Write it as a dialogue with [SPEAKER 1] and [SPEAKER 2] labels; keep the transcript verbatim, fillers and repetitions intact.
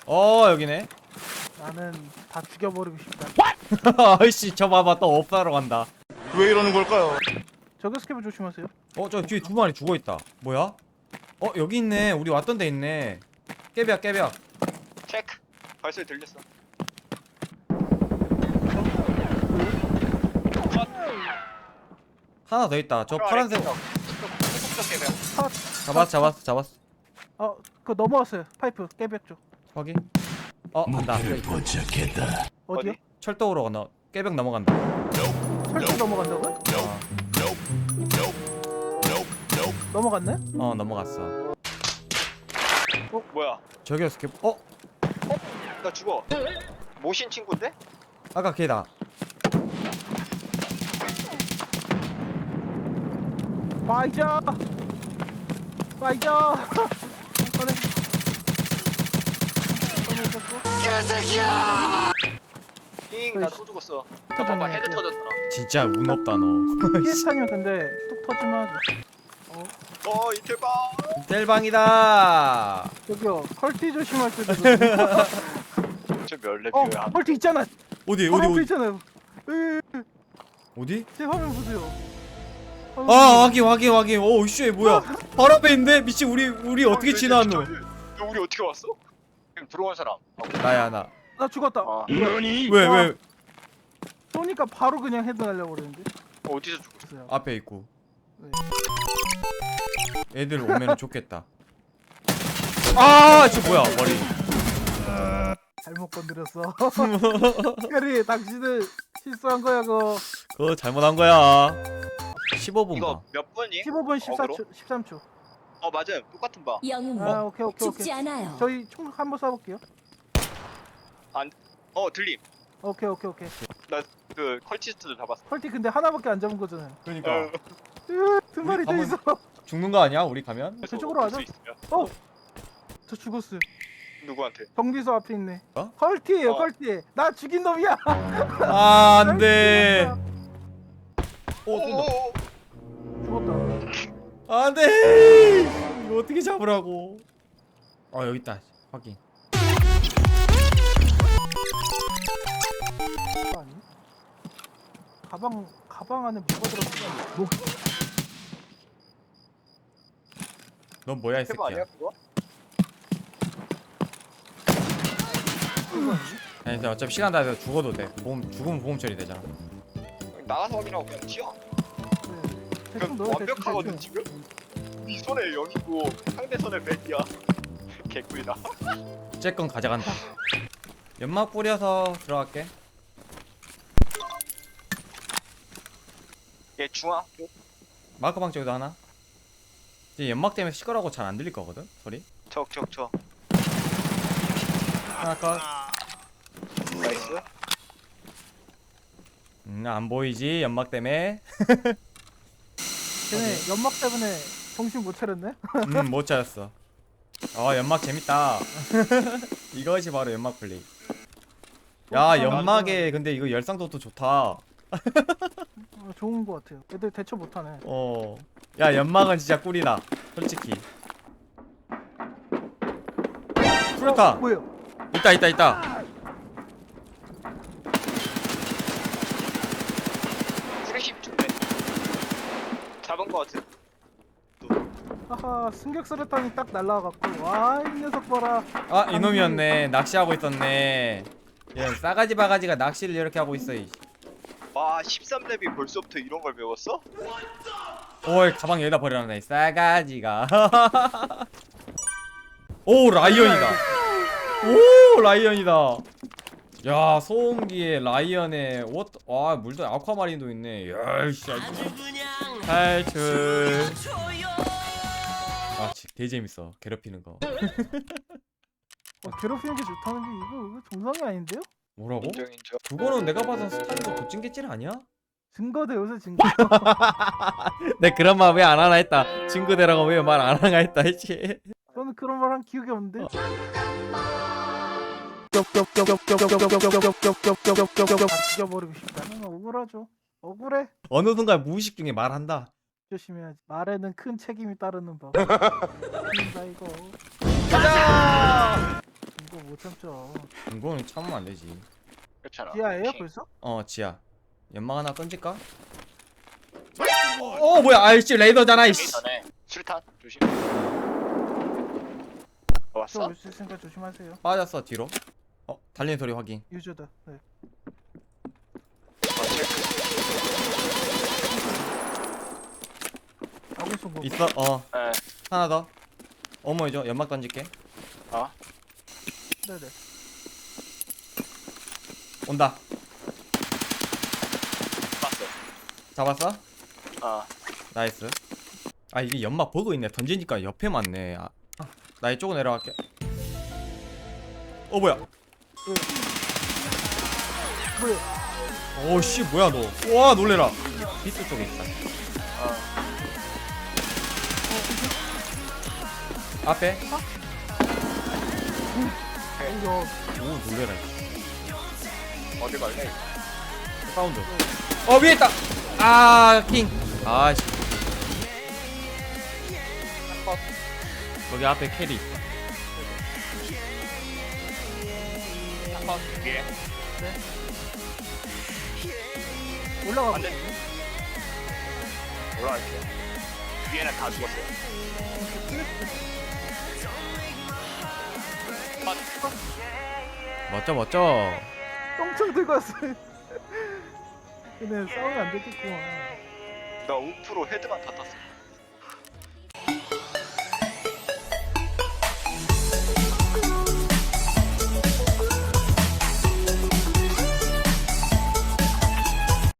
[SPEAKER 1] 어 여기네.
[SPEAKER 2] 나는 다 죽여버리고 싶다.
[SPEAKER 1] 아이씨 저 봐봐 또 업사러 간다.
[SPEAKER 3] 왜 이러는 걸까요?
[SPEAKER 2] 저기 스케브 조심하세요.
[SPEAKER 1] 어 저 뒤에 두 마리 죽어있다. 뭐야? 어 여기 있네. 우리 왔던 데 있네. 깨벽 깨벽.
[SPEAKER 3] 체크. 발소리 들렸어.
[SPEAKER 1] 하나 더 있다. 저 파란색.
[SPEAKER 3] 깨벽.
[SPEAKER 1] 잡았어 잡았어 잡았어.
[SPEAKER 2] 어, 그거 넘어왔어요. 파이프 깨벽 쪽.
[SPEAKER 1] 확인. 어 간다.
[SPEAKER 2] 어디요?
[SPEAKER 3] 어디?
[SPEAKER 1] 철도로 건너. 깨벽 넘어간다.
[SPEAKER 2] 철도 넘어간다고요?
[SPEAKER 1] 어,
[SPEAKER 2] 넘어갔네?
[SPEAKER 1] 어 넘어갔어.
[SPEAKER 3] 어 뭐야?
[SPEAKER 1] 저기요 스캡. 어
[SPEAKER 3] 나 죽어. 모신 친구인데?
[SPEAKER 1] 아까 걔다.
[SPEAKER 2] 파이자! 파이자!
[SPEAKER 3] 잉, 나 또 죽었어.
[SPEAKER 2] 터졌네.
[SPEAKER 3] 봐봐, 헤드 터졌더라.
[SPEAKER 1] 진짜 운 없다 너.
[SPEAKER 2] 피해타면 근데 뚝 터지면
[SPEAKER 3] 어, 이틀방.
[SPEAKER 1] 텔방이다.
[SPEAKER 2] 저기요 펄티 조심할 때도
[SPEAKER 3] 저몇
[SPEAKER 2] 어!
[SPEAKER 3] 레벨이야?
[SPEAKER 2] 펄티 있잖아!
[SPEAKER 1] 어디
[SPEAKER 2] 바로
[SPEAKER 1] 어디
[SPEAKER 2] 앞에
[SPEAKER 1] 어디
[SPEAKER 2] 있잖아요. 으,
[SPEAKER 1] 어디?
[SPEAKER 2] 제 화면 보세요.
[SPEAKER 1] 아 확인 확인 확인. 오씨 뭐야? 바로 앞에 있는데 미친 우리 우리 어떻게 지나왔노?
[SPEAKER 3] 너 우리 어떻게 왔어? 지금 들어온 사람.
[SPEAKER 1] 나야 나.
[SPEAKER 2] 나 죽었다.
[SPEAKER 3] 아,
[SPEAKER 1] 왜
[SPEAKER 2] 와.
[SPEAKER 1] 왜?
[SPEAKER 2] 쏘니까 바로 그냥 헤드 날려고 그랬는데.
[SPEAKER 3] 어디서 죽었어?
[SPEAKER 2] 그래요.
[SPEAKER 1] 앞에 있고.
[SPEAKER 2] 네.
[SPEAKER 1] 애들 오면 좋겠다. 아, 저 뭐야 머리.
[SPEAKER 2] 잘못 건드렸어. 그래, 당신은 실수한 거야, 그거.
[SPEAKER 1] 그거 잘못한 거야. 십오 분
[SPEAKER 3] 이거
[SPEAKER 1] 봐.
[SPEAKER 3] 몇 분이?
[SPEAKER 2] 십오 분 십사 초,
[SPEAKER 3] 어그로?
[SPEAKER 2] 십삼 초.
[SPEAKER 3] 어, 맞아요. 똑같은 바.
[SPEAKER 4] 영웅
[SPEAKER 2] 아, 오케이, 오케이,
[SPEAKER 4] 죽지
[SPEAKER 2] 오케이.
[SPEAKER 4] 않아요.
[SPEAKER 2] 저희 총 한번 쏴볼게요.
[SPEAKER 3] 어, 들림.
[SPEAKER 2] 오케이, 오케이, 오케이.
[SPEAKER 3] 그 컬티스트들 잡았어.
[SPEAKER 2] 펄티 근데 하나밖에 안 잡은 거잖아요.
[SPEAKER 1] 그러니까
[SPEAKER 3] 어,
[SPEAKER 2] 으, 두 마리 더
[SPEAKER 1] 가면-
[SPEAKER 2] 있어.
[SPEAKER 1] 죽는 거 아니야? 우리 가면?
[SPEAKER 2] 저쪽으로 가자.
[SPEAKER 3] 볼수 있으면.
[SPEAKER 2] 어! 저 죽었어요.
[SPEAKER 3] 누구한테?
[SPEAKER 2] 정비소 앞에 있네.
[SPEAKER 1] 어?
[SPEAKER 2] 컬티예요,
[SPEAKER 3] 어.
[SPEAKER 2] 컬티. 나 죽인 놈이야.
[SPEAKER 1] 아, 안 돼. 오, 쏜다.
[SPEAKER 2] 죽었다.
[SPEAKER 1] 안 돼. 이거 어떻게 잡으라고? 어, 여기 있다. 확인.
[SPEAKER 2] 그거 아니? 가방 가방 안에 뭐가 들었어? 뭐?
[SPEAKER 1] 넌 뭐야, 이
[SPEAKER 3] 해봐 아니야
[SPEAKER 1] 새끼야?
[SPEAKER 3] 그거?
[SPEAKER 2] 그거 아니?
[SPEAKER 1] 아니, 근데 어차피 시간 다 돼서 죽어도 돼. 보험 죽으면 보험 처리 되잖아.
[SPEAKER 3] 나가서 확인하고 그냥 튀어.
[SPEAKER 2] 네. 대충
[SPEAKER 3] 그럼
[SPEAKER 2] 넣어야 돼.
[SPEAKER 3] 완벽하거든
[SPEAKER 2] 대충.
[SPEAKER 3] 지금. 네 손에 영이고 상대 손에 백이야. 개꿀이다.
[SPEAKER 1] 쟤건 가져간다. 연막 뿌려서 들어갈게.
[SPEAKER 3] 얘 중앙.
[SPEAKER 1] 마크방 쪽에도 하나. 이제 연막 때문에 시끄러고 잘 안 들릴 거거든 소리.
[SPEAKER 3] 적적적.
[SPEAKER 1] 하나 컷.
[SPEAKER 3] 나이스.
[SPEAKER 1] 음, 안 보이지 연막 때문에.
[SPEAKER 2] 걔네 연막 때문에 정신 못 차렸네.
[SPEAKER 1] 음, 못 찾았어. 어, 연막 재밌다. 이것이 바로 연막 플레이. 야, 연막에 근데 이거 열상도도 좋다.
[SPEAKER 2] 아, 좋은 거 같아요. 애들 대처 못하네.
[SPEAKER 1] 어. 야, 연막은 진짜 꿀이다. 솔직히. 풀타.
[SPEAKER 2] 뭐예요?
[SPEAKER 1] 있다, 있다, 있다.
[SPEAKER 3] 프레시 좋네. 잡은 거 같은.
[SPEAKER 2] 하하, 승격 수류탄이 딱 날라와갖고 와, 이 녀석 봐라.
[SPEAKER 1] 아, 이놈이었네. 낚시하고 있었네. 얘 싸가지 바가지가 낚시를 이렇게 하고 있어. 이.
[SPEAKER 3] 와 십삼 렙이 벌써부터 이런 걸 배웠어?
[SPEAKER 1] 오이, 가방 여기다 버려놨네. 싸가지가. 오, 라이언이다. 오, 라이언이다. 야, 소음기에 라이언에 옷, 와, 물도 아쿠아마린도 있네. 야, 씨. 탈출. 아, 지- 되게 재밌어. 괴롭히는 거.
[SPEAKER 2] 어, 괴롭히는 게 좋다는 게 이거, 이거 정상이 아닌데요?
[SPEAKER 1] 뭐라고?
[SPEAKER 3] 인정 인정.
[SPEAKER 1] 그거는 내가 봐선 스타일도 도찐개질 아니야?
[SPEAKER 2] 증거대 요새 증거.
[SPEAKER 1] 내 그런 말 왜 안 하나 했다. 친구들하고 왜 말 안 하나 했다 했지.
[SPEAKER 2] 저는 그런 말 한 기억이 없는데. 다 죽여버리고 싶다. 는 억울하죠. 억울해.
[SPEAKER 1] 어느 순간 무의식 중에 말한다.
[SPEAKER 2] 조심해야지. 말에는 큰 책임이 따르는 법. 나 이거.
[SPEAKER 1] 가자!
[SPEAKER 2] 이거 그거 못 참죠.
[SPEAKER 1] 이거는 참으면 안 되지.
[SPEAKER 3] 그렇잖아.
[SPEAKER 2] 지하에요
[SPEAKER 3] 킹.
[SPEAKER 2] 벌써?
[SPEAKER 1] 어 지야. 연막 하나 던질까? 어 뭐야? 아이씨 레이더잖아
[SPEAKER 3] 여기
[SPEAKER 1] 이씨.
[SPEAKER 3] 전에 수류탄 조심. 어,
[SPEAKER 2] 저
[SPEAKER 3] 왔어?
[SPEAKER 2] 올 수 있으니까 조심하세요.
[SPEAKER 1] 빠졌어 뒤로. 어 달리는 소리 확인.
[SPEAKER 2] 유저다. 네.
[SPEAKER 3] 어, 체크.
[SPEAKER 2] 아군 송곳.
[SPEAKER 1] 있어? 어
[SPEAKER 3] 네.
[SPEAKER 1] 하나 더. 어머 이죠 연막 던질게.
[SPEAKER 3] 어.
[SPEAKER 2] 네네.
[SPEAKER 1] 온다.
[SPEAKER 3] 봤어.
[SPEAKER 1] 잡았어?
[SPEAKER 3] 어.
[SPEAKER 1] 나이스. 아 이게 연막 보고 있네. 던지니까 옆에 맞네. 아, 나 이쪽으로 내려갈게. 어 뭐야?
[SPEAKER 2] 뭐야?
[SPEAKER 1] 오씨 뭐야 너? 와 놀래라. 비트 쪽에 있다.
[SPEAKER 3] 어.
[SPEAKER 1] 앞에.
[SPEAKER 2] 이거
[SPEAKER 1] 오 놀래라.
[SPEAKER 3] 어디 갈래?
[SPEAKER 1] 사운드. 어 위에 있다. 아 킹. 아씨. 거기 앞에 캐리 있어.
[SPEAKER 3] 한번 위에.
[SPEAKER 2] 올라가.
[SPEAKER 3] 안 돼. 올라갈게. 위에는 다 죽었어요.
[SPEAKER 1] 멋져 멋져.
[SPEAKER 2] 똥총 들고 왔어요. 근데 싸우면 안 되겠구만.
[SPEAKER 3] 나 우프로 헤드만 다 땄어.